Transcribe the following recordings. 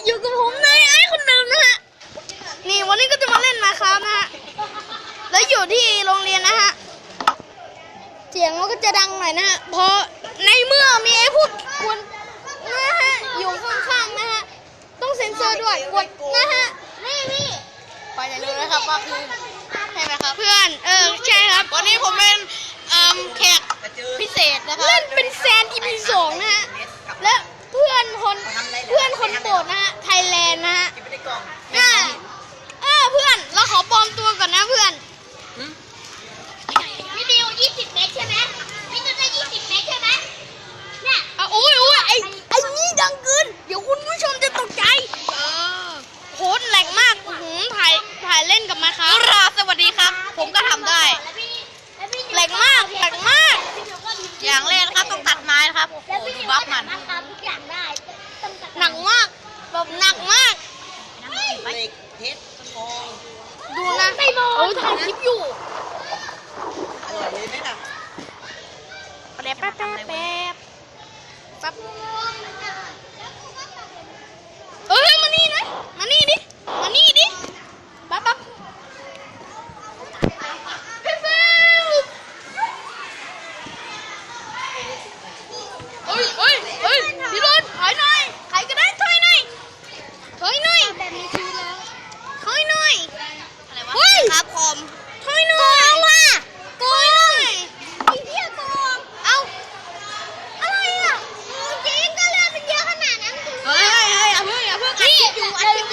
อยู่กับผมนายไอ้คนเดิมนะฮะนี่วันนี้ก็จะมาเล่นมาครับนะฮะแล้วอยู่ที่โรงเรียนนะฮะเสียงมันก็จะดังหน่อยนะฮะเพราะในเมื่อมีไอ้พวกคนนะฮะอยู่ข้างๆนะฮะต้องเซ็นเซอร์ด้วยกดนะฮะนี่พอจะรู้นะครับว่าคือใช่ไหมครับเพื่อนใช่ครับวันนี้ผมเป็นแขกพิเศษนะครับเล่นเป็นแซน EP 2นะฮะและเพื่อนคนโปรดนะฮะไทยแลนด์นะฮะเพื่อนเราขอปลอมตัวก่อนนะเพื่อนวิดีโอ20 เมตรใช่ไหมวิดีโอได้20 เมตรใช่ไหมเนี่ยโอ้ยไอ้นี่ดังเกินเดี๋ยวคุณผู้ชมจะตกใจโคตรแหลกมากถ่ายเล่นกับมาครับสวัสดีครับผมก็ทำได้แหลกมากอย่างแรกนะครับต้องตัดไม้นะครับดูบัฟมันทุกอย่างได้หนักมากแบบหนักมากเหล็กเพชรทองดูนะถ่ายคลิปอยู่อร่อยเลยไหมล่ะแป๊บมานี่นะมานี่ดิแป๊บพี่รถถอยหน่อยใครก็ได้ถอยหน่อยแบบนี้คือแล้วถอยหน่อยอะไรวะครับผมถอยหน่อยเอาว่ะโกงไอ้เหี้ยโกงเอาอะไรอ่ะจริงก็เลือดมันเยอะขนาดนั้นเฮ้ยอย่าเพิ่งอัดคลิปอยู่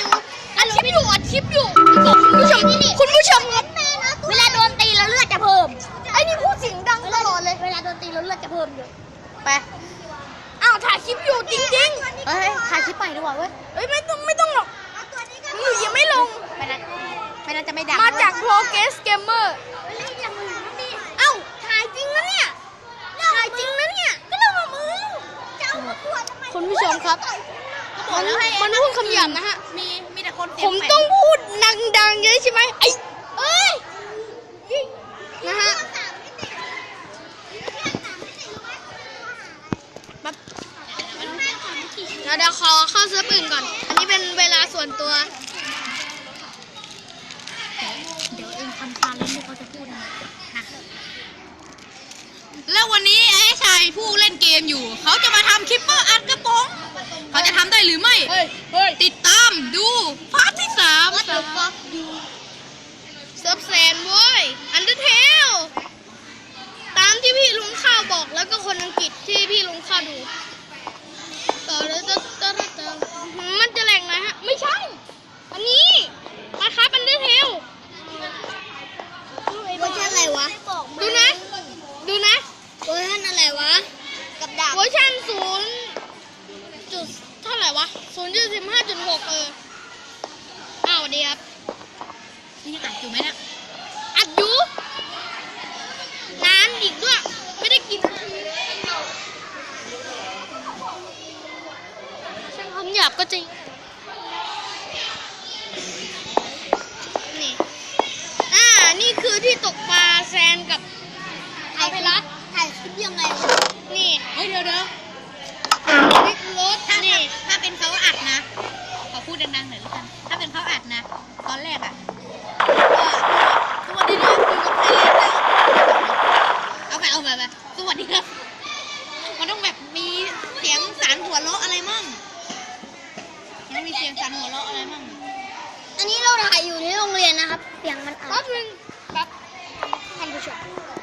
บอกคุณผู้ชมครับเวลาโดนตีแล้วเลือดจะเพิ่มไอ้นี่พูดเสียงดังตลอดเลยเวลาโดนตีแล้วเลือดจะเพิ่มอยู่ไปถ่ายคลิปอยู่จริงๆถ่ายคลิปไปดีกว่าเว้ยไม่ต้องหรอกหนูยังไม่ลงไม่น่าจะไม่ดังมาจาก Progress Gamer ถ่ายจริงนะเนี่ยก็เรื่องของมึงคุณผู้ชมครับมันพูดคำหยาบนะฮะมีแต่คนผมต้องพูดดังๆเยอะใช่ไหมนะฮะเดี๋ยวขอเข้าเซิร์ฟอื่นก่อนอันนี้เป็นเวลาส่วนตัวเดี๋ยวเองทำการเล่นที่เขาจะพูดนะแล้ววันนี้ไอ้ชายผู้เล่นเกมอยู่เขาจะมาทำคลิปเปอร์อัดกระป๋องเขาจะทำได้หรือไม่ติดตามดูพาร์ทที่3 เซิร์ฟแซนเว้ยอันเดอร์เทลตามที่พี่ลุงข้าวบอกแล้วก็คนอังกฤษที่พี่ลุงข้าวดูมันจะแหลกหน่อยฮะไม่ใช่อันนี้มาครับอันเดอร์เทลเวอร์ชันอะไรวะดูนะเวอร์ชันอะไรวะกับดาบเวอร์ชัน0จุดเท่าไหร่วะ0.15.6สวัสดีครับนี่อัดอยู่ไหมเนี่ยอัดอยู่นานอีกด้วยไม่ได้กินช่างคำหยาบก็จริงนี่คือที่ตกปลาแซนกับถ่ายคลิปยังไงนี่เดี๋ยวคลิปรถนี่ถ้าเป็นเขาอัดนะขอพูดดังๆหน่อยละกันถ้าเป็นเขาอัดนะตอนแรกสวัสดีครับเอาไปสวัสดีครับมันต้องแบบมีเสียงสารหัวเราะอะไรมั่งมันมีเสียงสารหัวเราะอะไรมั่งอันนี้เราถ่ายอยู่ในโรงเรียนนะครับเสียงมันแป๊บนึงท่านผู้ชม